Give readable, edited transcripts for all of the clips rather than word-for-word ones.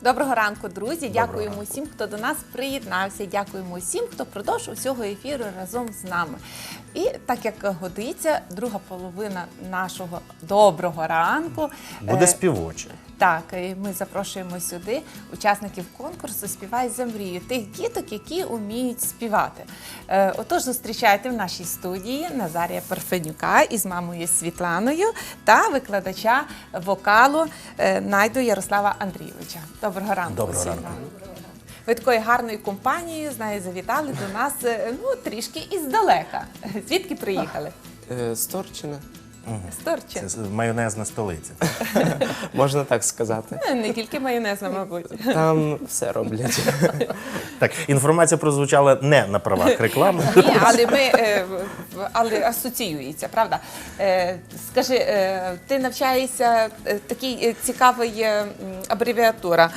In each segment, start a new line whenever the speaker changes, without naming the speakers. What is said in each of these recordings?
Доброго ранку, друзі! Дякуємо усім, хто до нас приєднався. Дякуємо усім, хто продовж усього ефіру разом з нами. І так як годиться, друга половина нашого доброго ранку
буде співоча.
Так, і ми запрошуємо сюди учасників конкурсу «Співай за мрію», тих діток, які вміють співати. Отож, зустрічайте в нашій студії Назарія Парфенюка із мамою Світланою та викладача вокалу Найду Ярослава Андрійовича. Доброго ранку.
Доброго
всім
ранку.
вам. Ви такою гарною компанією, знаю, завітали до нас трішки іздалека. Звідки приїхали?
З Торчина.
З Торчин.
Це майонезна столиця.
Можна так сказати.
Не тільки майонезна, мабуть.
Там все роблять.
Так, інформація прозвучала не на правах реклами.
Ні, але асоціюється, правда? Скажи, ти навчаєшся, такий цікавий абревіатура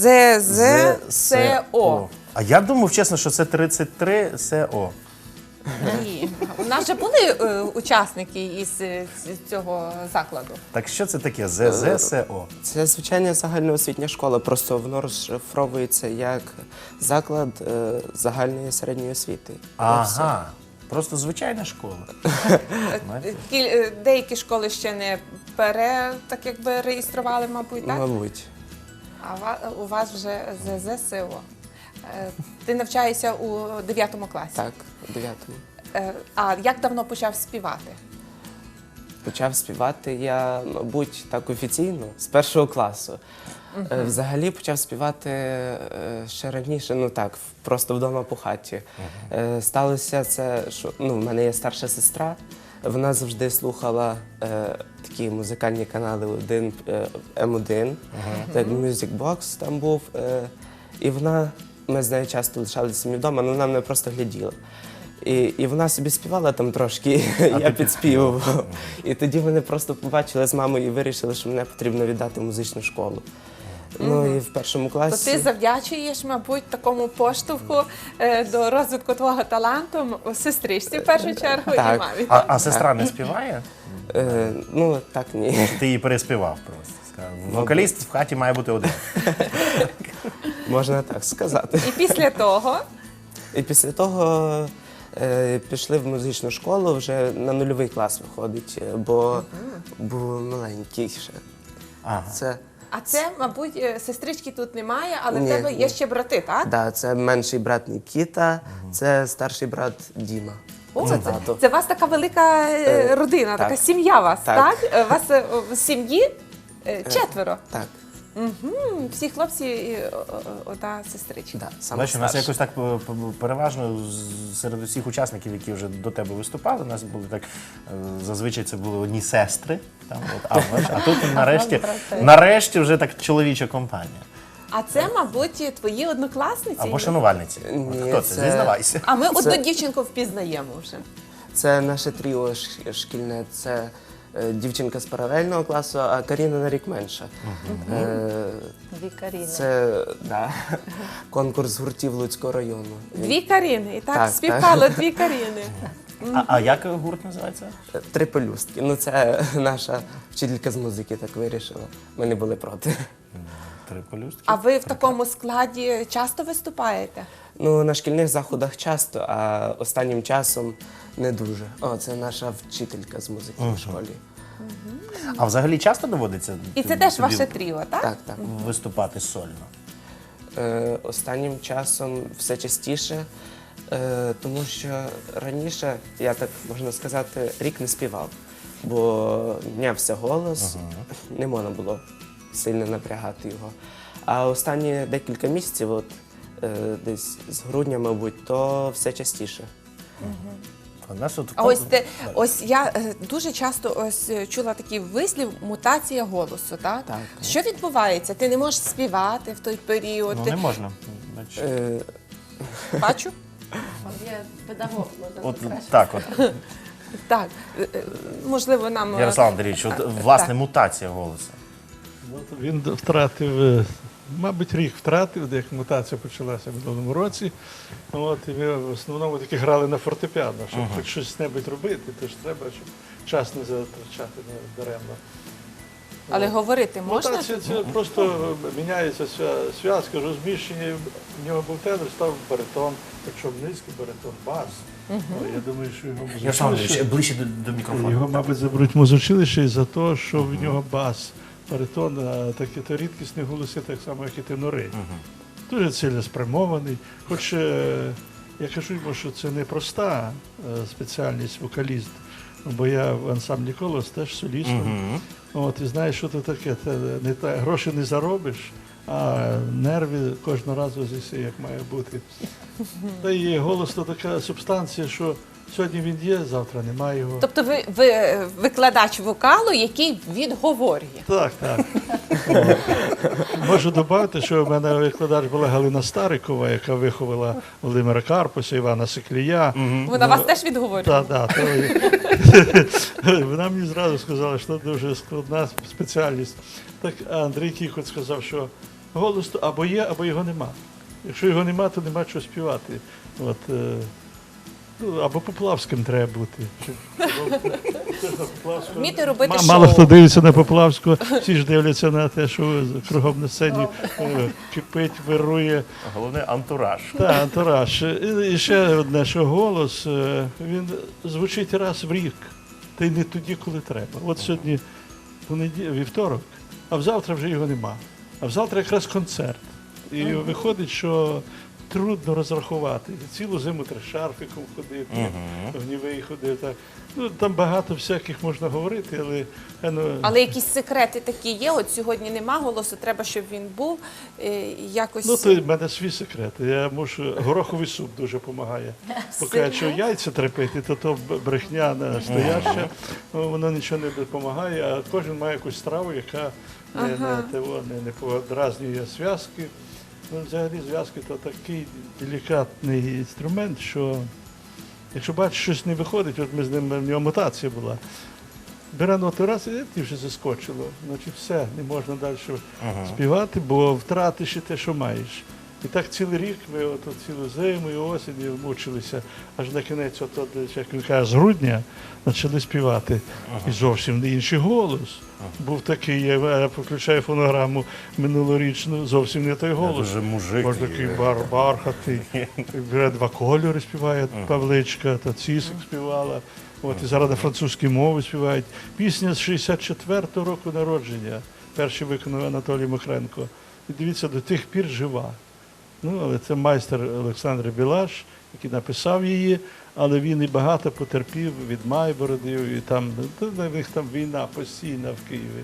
ЗЗСО.
А я думав, чесно, що це 33 СО.
Ні, у нас же були учасники із цього закладу.
Так що це таке ЗЗСО?
Це звичайна загальноосвітня школа, просто воно розшифровується як заклад загальної середньої освіти.
Ага, просто звичайна школа.
Деякі школи ще не так якби реєстрували, мабуть, так?
Мабуть.
А у вас вже ЗЗСО. Ти навчаєшся у 9 класі?
Так, у 9-му.
А як давно почав співати?
Почав співати я, мабуть, так офіційно, з 1 класу. Взагалі почав співати ще раніше, ну так, просто вдома по хаті. Сталося це, що в мене є старша сестра, вона завжди слухала такі музикальні канали М1, так, Music Box там був. І ми з нею часто лишалися самі вдома, але вона мене просто гляділа. І вона собі співала там трошки, я підспівував. І тоді вони просто побачили з мамою і вирішили, що мене потрібно віддати в музичну школу. Ну і в 1 класі...
То ти завдячуєш, мабуть, такому поштовху до розвитку твого таланту сестричці в першу чергу і
Так.
мамі.
А сестра не співає?
Ну, так, ні.
Ти її переспівав просто. Сказав, вокаліст в хаті має бути один.
Можна так сказати.
І після того?
І після того пішли в музичну школу, вже на 0-й клас виходить, бо був маленький ще.
Ага.
А це, мабуть, сестрички тут немає, але в
Ні,
тебе є
ні.
ще брати, так?
Да, це менший брат Нікіта, це старший брат Діма.
О,
Це тато.
це у вас така велика родина,
так.
така сім'я у вас, так?
Так.
У вас в сім'ї 4.
Так,
Всі хлопці і одна сестричка.
да, саме
Бачиш, у нас
старший.
якось так переважно серед усіх учасників, які вже до тебе виступали, у нас були так, зазвичай це були одні сестри, там, а тут нарешті вже так чоловіча компанія.
А це, мабуть, твої однокласниці?
Або шанувальниці.
Ні,
Хто це?
це-
Зізнавайся.
А ми одну дівчинку впізнаємо вже.
Це наше тріо шкільне, це дівчинка з паралельного класу, а Каріна на рік менша.
Дві Каріни.
Це конкурс гуртів Луцького району.
Дві Каріни. І так,
Так,
співпало дві Каріни.
А як гурт називається?
3 пелюстки. Ну, це наша вчителька з музики так вирішила. Ми не були проти.
3 пелюстки.
А ви в такому складі часто виступаєте?
Ну, на шкільних заходах часто, а останнім часом не дуже. О, це наша вчителька з музики в школі.
А взагалі часто доводиться
І це теж
тобі
ваше тріо, так?
Так, так.
виступати сольно?
Останнім часом все частіше, тому що раніше, я так можна сказати, рік не співав, бо мінявся голос, не можна було сильно напрягати його. А останні декілька місяців, от, десь з грудня, мабуть, то все частіше.
А ось я дуже часто чула такий вислів «мутація голосу», так?
Так.
Що відбувається? Ти не можеш співати в той період?
Ну,
Ти-
не можна. Бачиш.
Бачу? Є педагог.
От так от.
Так, можливо, нам...
Ярослав Андрійович, от, власне,
Так.
мутація голосу.
Він втратив, мабуть, рік втратив, як мутація почалася в минулому році. От, і ми в основному таки грали на фортепіано, щоб хоч щось небудь робити, то ж треба, щоб час не затрачати даремно.
Але говорити можна?
Так, це просто міняється зв'язка, розміщення. В нього був тенор, став баритон, причому низький баритон, бас. Я думаю, що його
Ярослав ближче до мікрофону.
Його, мабуть, заберуть в музучилище із-за того, що в нього бас, баритон, а такі то рідкісні голоси, так само, як і тенори. Дуже цілеспрямований. Хоч я кажу йому, що це не проста спеціальність вокаліст, бо я в ансамблі «Колос» теж солістом. От, і знаєш, що це таке? Це гроші не заробиш, а нерви кожного разу з'їси, як має бути. Та і голос то така субстанція, що сьогодні він є, завтра немає його.
Тобто ви викладач вокалу, який відговорює.
Так, так. О. Можу додати, що в мене викладач була Галина Старикова, яка виховала Володимира Карпуса, Івана Сиклія.
Вона вас теж відговорює?
Так, так. Вона мені зразу сказала, що це дуже складна спеціальність. Так Андрій Кіхот сказав, що голос то або є, або його нема. Якщо його нема, то нема чого співати. От, або Поплавським треба бути.
Вміти робити
Мало
шоу.
хто дивиться на Поплавську, всі ж дивляться на те, що кругом на сцені кипить, вирує.
Головне антураж.
Так, антураж. І ще одне, що голос, він звучить раз в рік, та й не тоді, коли треба. От сьогодні вівторок, а взавтра вже його нема. А взавтра якраз концерт. І виходить, що трудно розрахувати. Цілу зиму треба шарфиком ходити, в Нівей ходити. Так. Ну, там багато всяких можна говорити, але...
Але якісь секрети такі є? От сьогодні нема голосу, треба, щоб він був якось...
Ну, то в мене свій секрет. Я мушу... Гороховий суп дуже допомагає. Поки якщо яйця трепити, то брехня настояща, воно нічого не допомагає, а кожен має якусь страву, яка не подразнює зв'язки. Ну, взагалі зв'язки то такий делікатний інструмент, що якщо бачиш, щось не виходить, от ми з ним, в нього мутація була, бере ноту раз, і ті вже заскочило. Значить все, не можна далі співати, бо втратиш і те, що маєш. І так цілий рік ми цілу зиму і осінь мучилися, аж на кінець, як він каже, з грудня почали співати. І зовсім не інший голос. Був такий, я включаю фонограму минулорічну, зовсім не той голос.
Дуже мужик.
Може такий бархатий, бере два кольори співає Павличка, та Цісик співала. От, і зараз на французькій мові співають. Пісня з 64-го року народження, перший виконав Анатолій Михренко. І дивіться, до тих пір жива. Ну, але це майстер Олександр Білаш, який написав її, але він і багато потерпів від Майбородів, і там, в них там війна постійна в Києві.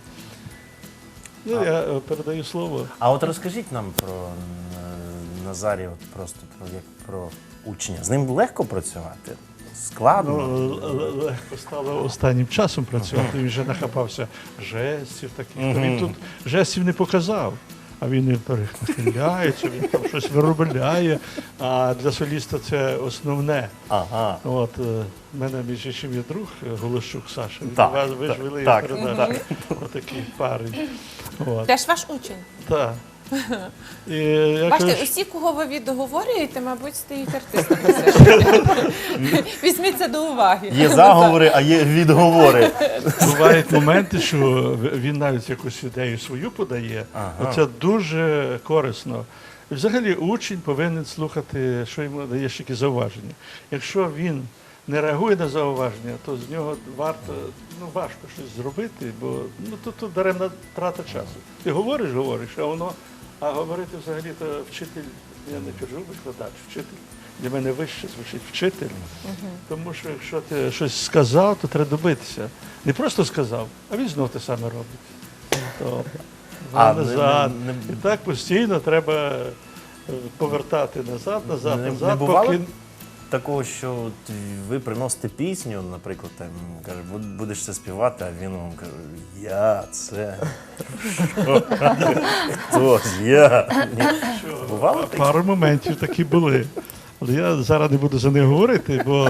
Ну, я передаю слово.
А от розкажіть нам про Назарія, от просто як про учня. З ним легко працювати? Складно?
Ну, легко стало останнім часом працювати, він вже нахапався жестів таких. Він тут жестів не показав. А він не перехиляється, він там щось виробляє. А для соліста це основне.
Ага.
От, в мене між іншим є друг Голощук Саша.
Так,
Ви ж вели
так,
передачу. Отакий парень. От.
Теж ваш учень.
Так. І я
Бачите,
кажу,
усі, кого ви відговорюєте, мабуть, стають артистами. Візьміть це до уваги.
Є заговори, а є відговори.
бувають моменти, що він навіть якусь ідею свою подає. Це дуже корисно. І взагалі учень повинен слухати, що йому даєш які зауваження. Якщо він не реагує на зауваження, то з нього важко щось зробити, бо тут даремна трата часу. Ти говориш, а говорити взагалі то вчитель, я не кажу викладач, вчитель. Для мене вище звучить вчитель, тому що якщо ти щось сказав, то треба добитися. Не просто сказав, а він знов те саме робить. То назад. І так постійно треба повертати назад,
Не бувало такого, що от ви приносите пісню, наприклад, там каже, будеш це співати, а він вам каже, я це. Хто? Я. Бувало таке?
Пару моментів такі були. Але я зараз не буду за них говорити, бо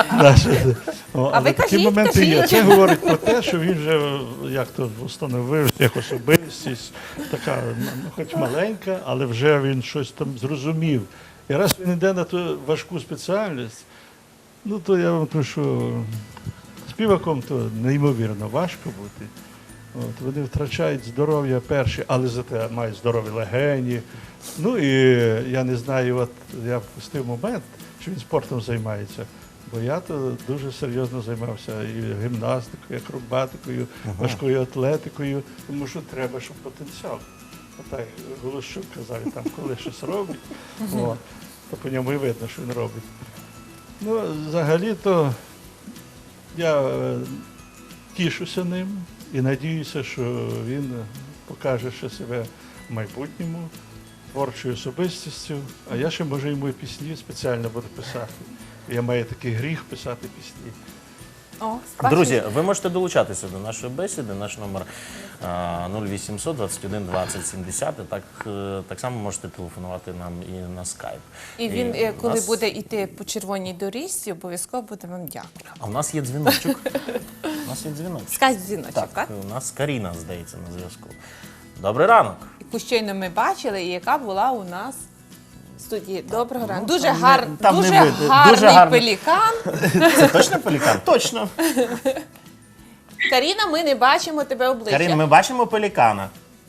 ви
такі
кажіть,
моменти є.
кажіть.
Це говорить про те, що він вже як то встановив як особистість, така, хоч маленька, але вже він щось там зрозумів. І раз він йде на ту важку спеціальність, то я вам кажу, що співаком то неймовірно важко бути. От, вони втрачають здоров'я перші, але зате мають здорові легені. Ну і я не знаю, от я впустив момент, що він спортом займається. Бо я то дуже серйозно займався і гімнастикою, і акробатикою, важкою атлетикою, тому що треба, щоб потенціал. Отак Голощук казав, там, коли щось робить, то по ньому і видно, що він робить. Ну, взагалі-то я тішуся ним і надіюся, що він покаже ще себе в майбутньому, творчою особистістю, а я ще, може, йому і пісні спеціально буду писати. Я маю такий гріх писати пісні.
О, бачиш?
Друзі, ви можете долучатися до нашої бесіди. Наш номер 0800 21 20 70. Так само можете телефонувати нам і на скайп.
І він,
у
коли
нас-
буде йти по червоній доріжці, обов'язково буде вам дякувати.
А у нас є дзвіночок. У нас є дзвіночок.
Скажіть дзвіночок, так?
У нас Каріна, здається, на зв'язку. Добрий ранок.
Яку щойно ми бачили, і яка була у нас в студії. Доброго ранку. Дуже,
там не-
гарний
дуже гарний.
пелікан.
Це точно пелікан? Точно.
Каріна, ми не бачимо тебе обличчя.
Карін, ми бачимо пелікана.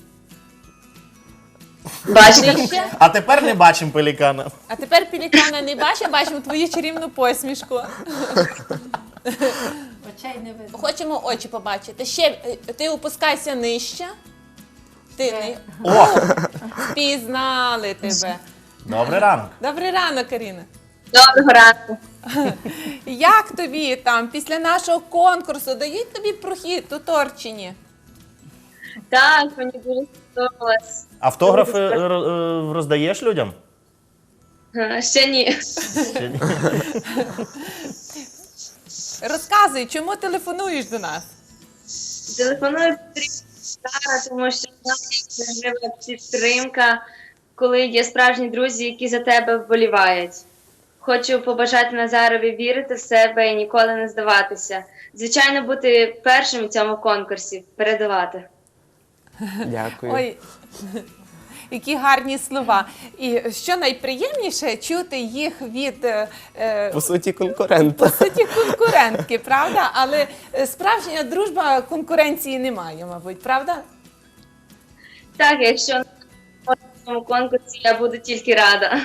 Нижче.
А тепер не бачимо пелікана.
А тепер пелікана не бачимо, бачимо твою чарівну посмішку.
Очей не видно.
Хочемо очі побачити. Ще ти опускайся нижче. Ти не
О,
впізнали тебе.
добрий ранок.
Добрий ранок, Каріна.
Доброго ранку.
Як тобі там після нашого конкурсу дають тобі прохід у Торчині?
Так, мені дуже сподобалось.
Автографи роздаєш людям?
Ще ні.
Чи ні?
Розказуй, чому телефонуєш до нас?
Телефоную Сара, тому що важлива підтримка, коли є справжні друзі, які за тебе вболівають. Хочу побажати Назарові вірити в себе і ніколи не здаватися. Звичайно, бути першим у цьому конкурсі, передавати.
Дякую.
Ой, які гарні слова. І що найприємніше чути їх від
По суті, конкурента.
суті конкурентки, правда? Але справжня дружба конкуренції немає, мабуть, правда?
Так, якщо на цьому конкурсі я буду тільки рада.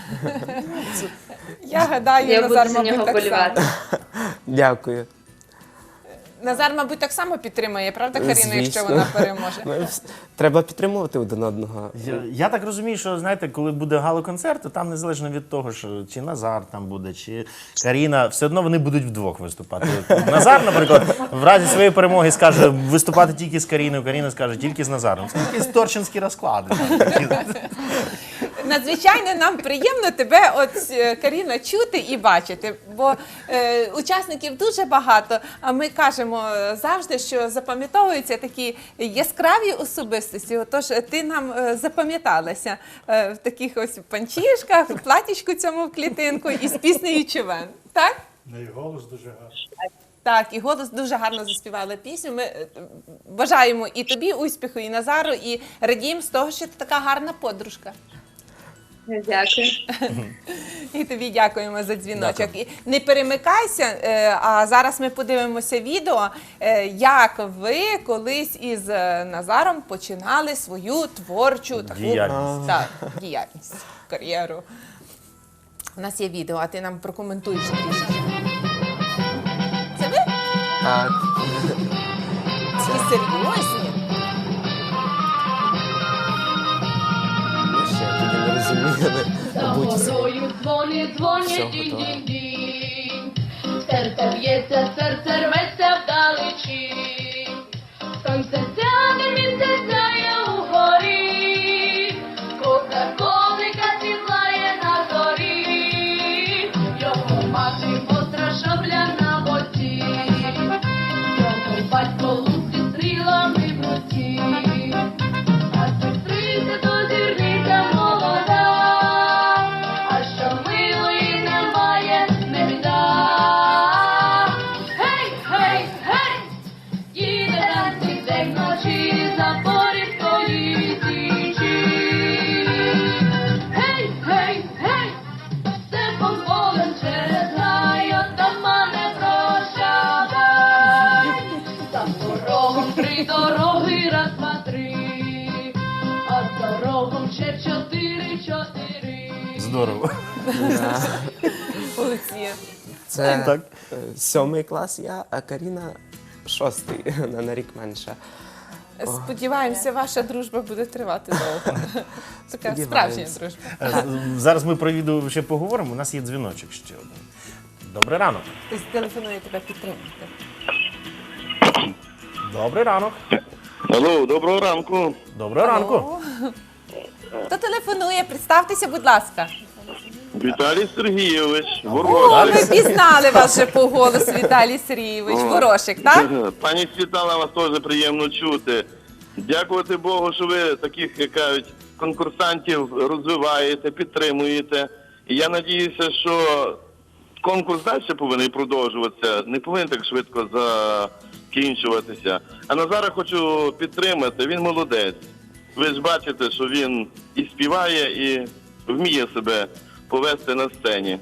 Я гадаю,
Я буду
Назар,
за нього
мабуть, так
вболівати.
само.
Дякую.
Назар, мабуть, так само підтримує, правда, Каріна, якщо
Звісно.
вона переможе?
Ну, треба підтримувати один одного.
Я так розумію, що знаєте, коли буде гала-концерт, то там незалежно від того, що чи Назар там буде, чи Каріна, все одно вони будуть вдвох виступати. От Назар, наприклад, в разі своєї перемоги скаже виступати тільки з Каріною, Каріна скаже тільки з Назаром. Це якісь торчинські розклади.
Надзвичайно нам приємно тебе, от Каріна, чути і бачити, бо учасників дуже багато. А ми кажемо завжди, що запам'ятовуються такі яскраві особистості. Отож, ти нам запам'яталася в таких ось панчішках, в платічку цьому в клітинку і з піснею «Човен». Так?
Неї голос дуже гарний.
Так, і голос дуже гарно заспівала пісню. Ми бажаємо і тобі успіху, і Назару, і радіємо з того, що ти така гарна подружка.
Дякую.
І тобі дякуємо за дзвіночок. І не перемикайся, а зараз ми подивимося відео, як ви колись із Назаром починали свою творчу таку
Діяльність.
Так, діяльність, кар'єру. У нас є відео, а ти нам прокоментуєш трішки. Це ви?
Так.
Ці серйозні?
Ми ще тоді не розуміли.
За
Мабуть,
горою дзвони,
Все
дзвонять,
готово.
дінь-дінь-дінь. Серце б'ється, серце рветься вдалечі. Сонце сяде, місяць сяє угорі. Кока-колика світлає на зорі. Його мати остра шабля на боці. Його батько лук зі стрілами в руці. А сестриця дозірниця молода, а що милої немає, не біда. Гей, гей, гей, їде танці день вночі за Порівської січі. Гей, гей, гей, степом полем через гай, отамане прощавай. За порогом крито дороги, раз, два, три, а з дорогом ще 4.
Здорово.
Молодці.
Це
Так.
7 клас я, а Каріна 6, на рік менша.
Сподіваємося, ваша дружба буде тривати довго. Така справжня
Сподіваємося.
дружба.
Зараз ми про відео ще поговоримо. У нас є дзвіночок ще один. Добрий ранок.
Хтось телефонує тебе підтримати.
Добрий ранок.
Алло, доброго ранку.
Доброго ранку.
О, хто телефонує? Представтеся, будь ласка.
Віталій Сергійович,
О,
Ворошик.
ми пізнали вас вже по голосу, Віталій Сергійович. Ворошик, так?
Пані Світлана, вас теж приємно чути. Дякувати Богу, що ви таких, як кажуть, конкурсантів розвиваєте, підтримуєте. І я надіюся, що конкурс далі повинен продовжуватися, не повинен так швидко закінчуватися. А Назара хочу підтримати, він молодець. Ви ж бачите, що він і співає, і вміє себе повести на сцені.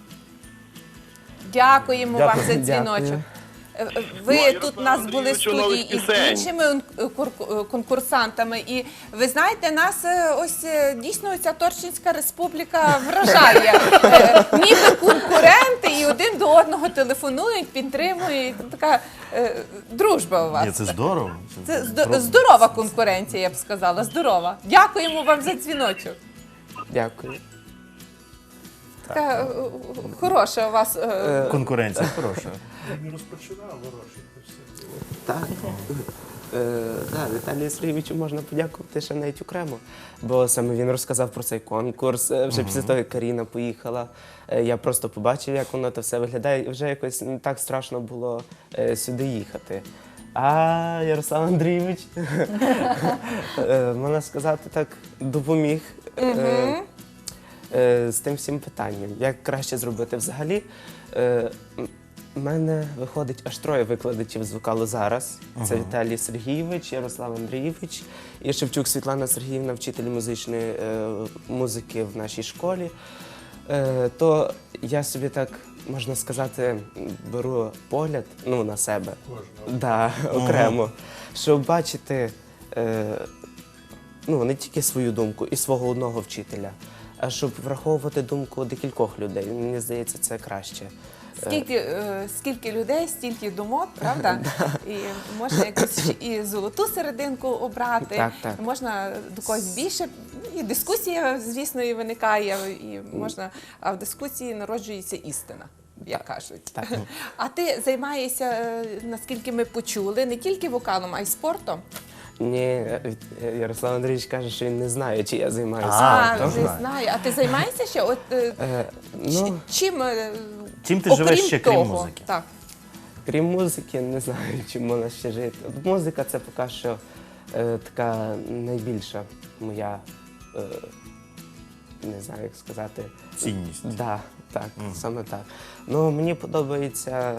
Дякуємо вам за
Дякую.
дзвіночок.
Ну, а
Ви
Ярославу
тут у нас були в
Андрійовичу
студії
нових
із
пісень.
іншими конкурсантами. І ви знаєте, нас ось дійсно ця Торчинська республіка вражає. Ніби конкуренти і один до одного телефонують, підтримують. Така дружба у вас.
Ні, це здорово.
Це здорова конкуренція, я б сказала. Здорова. Дякуємо вам за дзвіночок.
Дякую.
Така хороша у вас.
Конкуренція хороша.
Так. Да, Віталію Сергійовичу можна подякувати ще навіть окремо, бо саме він розказав про цей конкурс. Вже після того, як Каріна поїхала, я просто побачив, як воно то все виглядає, і вже якось не так страшно було сюди їхати. А Ярослав Андрійович, можна сказати так, допоміг з тим всім питанням. Як краще зробити взагалі? У мене виходить аж 3 викладачів з вокалу зараз. Це Віталій Сергійович, Ярослав Андрійович і Шевчук Світлана Сергіївна, вчитель музичної музики в нашій школі. То я собі так, можна сказати, беру погляд на себе. Да, окремо. Щоб бачити не тільки свою думку і свого одного вчителя, а щоб враховувати думку декількох людей. Мені здається, це краще.
Скільки людей, стільки думок, правда? І можна якусь і золоту серединку обрати,
Так.
можна до когось більше. І дискусія, звісно, і виникає, і можна, а в дискусії народжується істина, як кажуть.
Так.
А ти займаєшся, наскільки ми почули, не тільки вокалом, а й спортом?
Ні, Ярослав Андрійович каже, що він не знає, чи я займаюся
А,
спортом.
то
не знаю. А ти займаєшся ще? От, чим
Чим ти живеш
окрім
ще, крім
того?
музики?
Так.
Крім музики, не знаю, чим можна ще жити. От музика це поки що така найбільша моя, не знаю, як сказати.
Цінність.
Да, так, саме так. Ну, мені подобається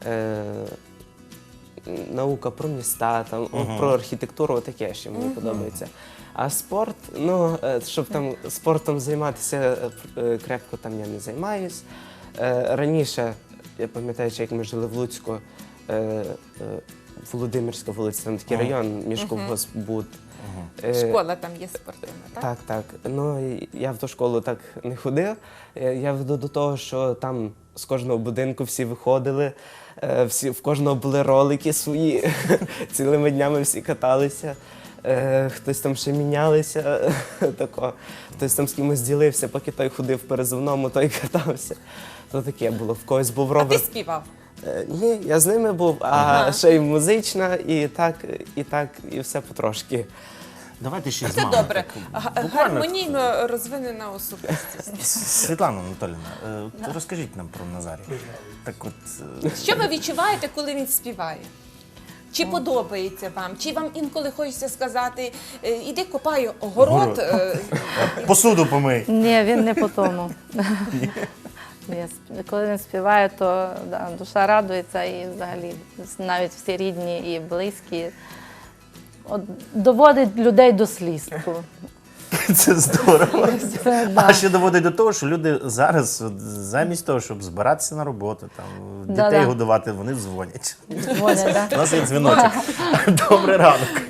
наука про міста, там, про архітектуру, таке ще мені подобається. А спорт, щоб там спортом займатися крепко там я не займаюсь. Раніше, я пам'ятаю, як ми жили в Луцьку, Володимирська вулиця, там такий район, міжколгоспбуд.
Школа там є спортивна, так?
Так. Ну, я в ту школу так не ходив. Я веду до того, що там з кожного будинку всі виходили, в кожного були ролики свої, цілими днями всі каталися. Хтось там ще мінялися, хтось там з кимось ділився, поки той ходив в перезивному, той катався. То таке було, в когось був
А
ровер.
ти співав?
Ні, я з ними був, а ще й музична, і все потрошки.
Давайте ще з
Це
мами.
добре.
Так, буквально.
Гармонійно розвинена особистість.
Світлана Анатоліївна, розкажіть нам про Назарія. Так от,
Що ви відчуваєте, коли він співає? Чи подобається вам? Чи вам інколи хочеться сказати, іди копай город?
посуду помий.
Ні, він не по тому. Ні, коли він співає, то да, душа радується і взагалі навіть всі рідні і близькі. От, доводить людей до сліз.
Це здорово.
Це,
А
да.
ще доводить до того, що люди зараз, от, замість того, щоб збиратися на роботу, там, дітей
Да-да.
годувати, вони дзвонять.
Дзвонять, да?
У нас є дзвіночок. Добрий ранок.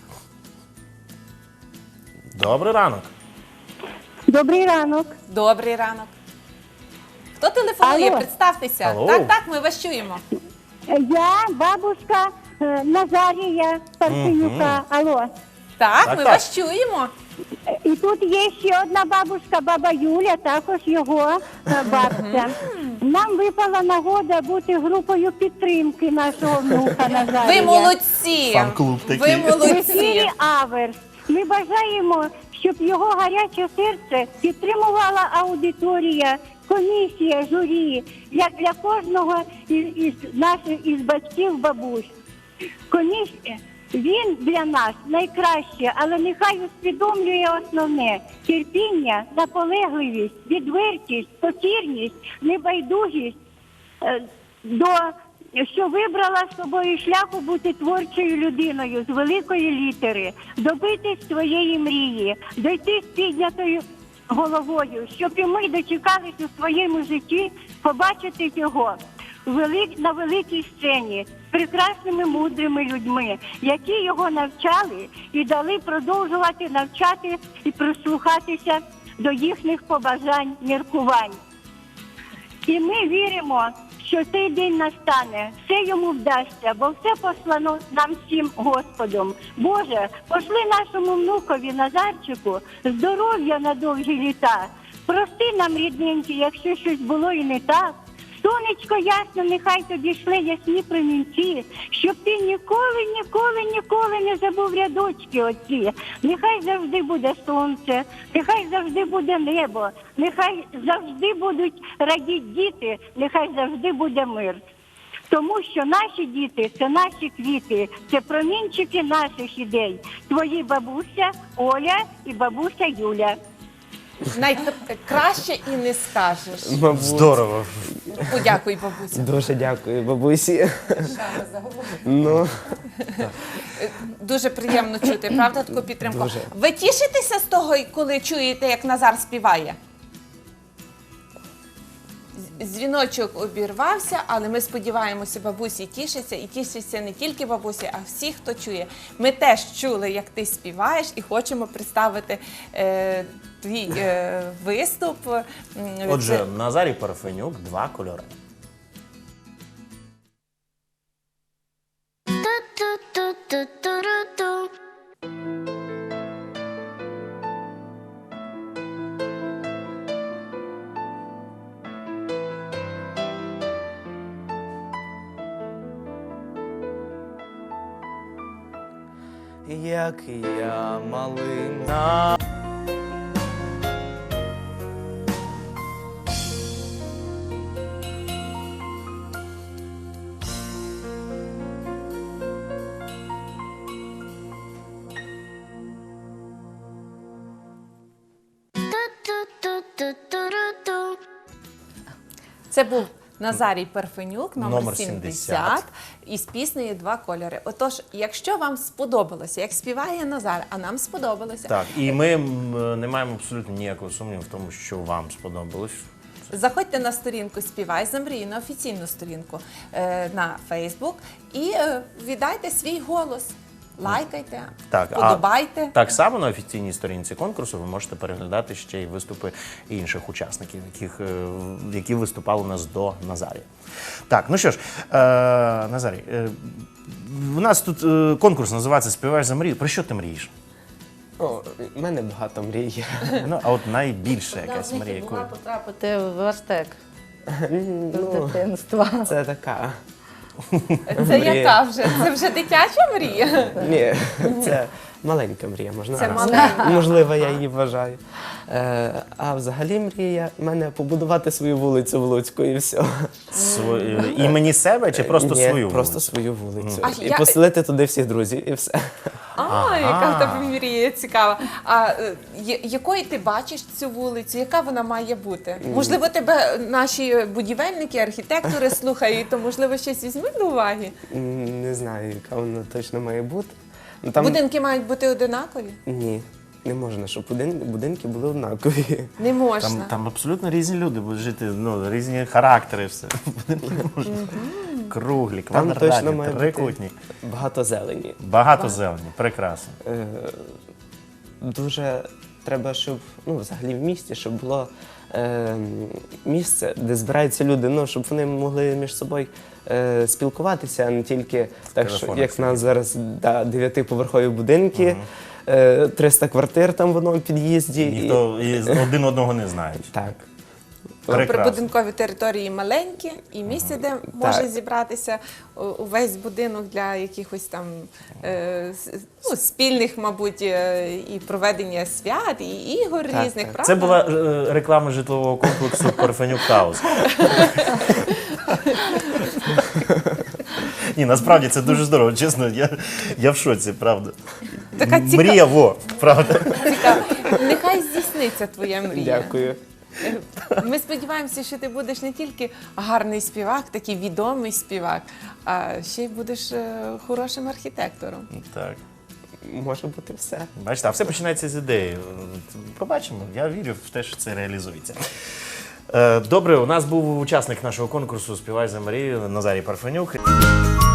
Добрий ранок.
Добрий ранок.
Добрий ранок. Хто телефонує?
Алло.
Представтеся.
Алло.
Так, так, ми вас чуємо.
Я бабушка Назарія Парфенюка. Алло.
Так,
Так,
ми
так.
вас чуємо.
І тут є ще одна бабушка, баба Юля, також його бабця. Нам випала нагода бути групою підтримки нашого внука Назарія.
Ви молодці.
Фан-клуб такий.
Ви
В
молодці.
ефірі Аверс. Ми бажаємо, щоб його гаряче серце підтримувала аудиторія, комісія, журі, як для кожного із наших із батьків, бабусь. Комісія, він для нас найкраще, але нехай усвідомлює основне – терпіння, наполегливість, відвертість, покірність, небайдужість що вибрала з собою шляху бути творчою людиною з великої літери, добитись своєї мрії, дойти з піднятою головою, щоб і ми дочекались у своєму житті побачити його на великій сцені з прекрасними мудрими людьми, які його навчали і дали продовжувати навчати і прислухатися до їхніх побажань, міркувань. І ми віримо, що цей день настане, все йому вдасться, бо все послано нам всім Господом. Боже, пошли нашому внукові Назарчику здоров'я на довгі літа. Прости нам, рідненькі, якщо щось було і не так. Сонечко ясно, нехай тобі шле ясні промінці, щоб ти ніколи, ніколи, ніколи не забув рядочки оці. Нехай завжди буде сонце, нехай завжди буде небо, нехай завжди будуть радіти діти, нехай завжди буде мир. Тому що наші діти – це наші квіти, це промінчики наших ідей. Твої бабуся Оля і бабуся Юля.
Найкраще і не скажеш.
Мабуть.
Здорово.
Подякуй, бабуся.
Дуже дякую, бабусі. Ну,
Дуже приємно чути, правда, таку підтримку.
Дуже.
Ви тішитеся з того, коли чуєте, як Назар співає? Дзвіночок обірвався, але ми сподіваємося, бабусі тішиться, і тішиться не тільки бабусі, а всі, хто чує. Ми теж чули, як ти співаєш, і хочемо представити твій виступ.
Отже, Назарій Парфенюк, «Два кольори».
як я малина.
Це був Назарій Парфенюк, номер
Номер
70, із піснею «Два кольори». Отож, якщо вам сподобалося, як співає Назар, а нам сподобалося,
Так, і ми не маємо абсолютно ніякого сумніву в тому, що вам сподобалось.
заходьте на сторінку «Співай за мрію», на офіційну сторінку на Facebook і віддайте свій голос. Лайкайте,
Так,
подобайте.
Так само на офіційній сторінці конкурсу ви можете переглядати ще й виступи інших учасників, які виступали у нас до Назарія. Так, ну що ж, Назарій, у нас тут конкурс називається «Співаєш за мрію». Про що ти мрієш?
О, в мене багато мрій.
Ну, а от найбільша якась мрія,
Була
якою...
потрапити в Верстек з
Ну,
дитинства.
це така.
Це
Мрія.
яка вже? Це вже дитяча мрія?
Ні, це маленька мрія, можна.
Це
раз.
маленька.
Можливо, я її вважаю. А взагалі мрія в мене побудувати свою вулицю в Луцьку і все.
Імені себе чи просто
Ні,
свою
просто
вулицю?
свою вулицю.
А
І
я-
поселити туди всіх друзів, і все.
Яка в тебе мрія цікава. А якою ти бачиш цю вулицю? Яка вона має бути? Можливо, тебе наші будівельники, архітектори слухають, то можливо щось візьмуть до уваги?
Не знаю, яка вона точно має бути. Ну, там...
Будинки мають бути одинакові?
Ні. не можна, щоб будинки були однакові.
Не можна.
Там абсолютно різні люди будуть жити, ну, різні характери, все. Будинки не можна. Круглі,
Там точно
квадратні,
має
трикутні.
бути багато зелені.
Багато зелені, прекрасно.
Дуже треба, щоб, ну, взагалі в місті, щоб було місце, де збираються люди, ну, щоб вони могли між собою спілкуватися, а не тільки так, що,
телефонах
як в нас зараз 9-поверхові будинки, 300 квартир там в одному під'їзді.
Ніхто один одного не знає.
Так.
Прекрасно.
Прибудинкові території маленькі, і місце, де може зібратися увесь будинок для якихось там ну, спільних, мабуть, і проведення свят, і ігор різних,
так.
правда?
Це була реклама житлового комплексу Парфенюк Хаус. Ні, насправді це дуже здорово, чесно, я в шоці, правда.
Така
Мрія, правда.
цікава. Нехай здійсниться твоя мрія.
Дякую.
Ми сподіваємося, що ти будеш не тільки гарний співак, такий відомий співак, а ще й будеш хорошим архітектором.
Так.
Може бути все.
Бачите, а все починається з ідеї. Побачимо, я вірю в те, що це реалізується. Добре, у нас був учасник нашого конкурсу «Співай за Марію» Назарій Парфенюк.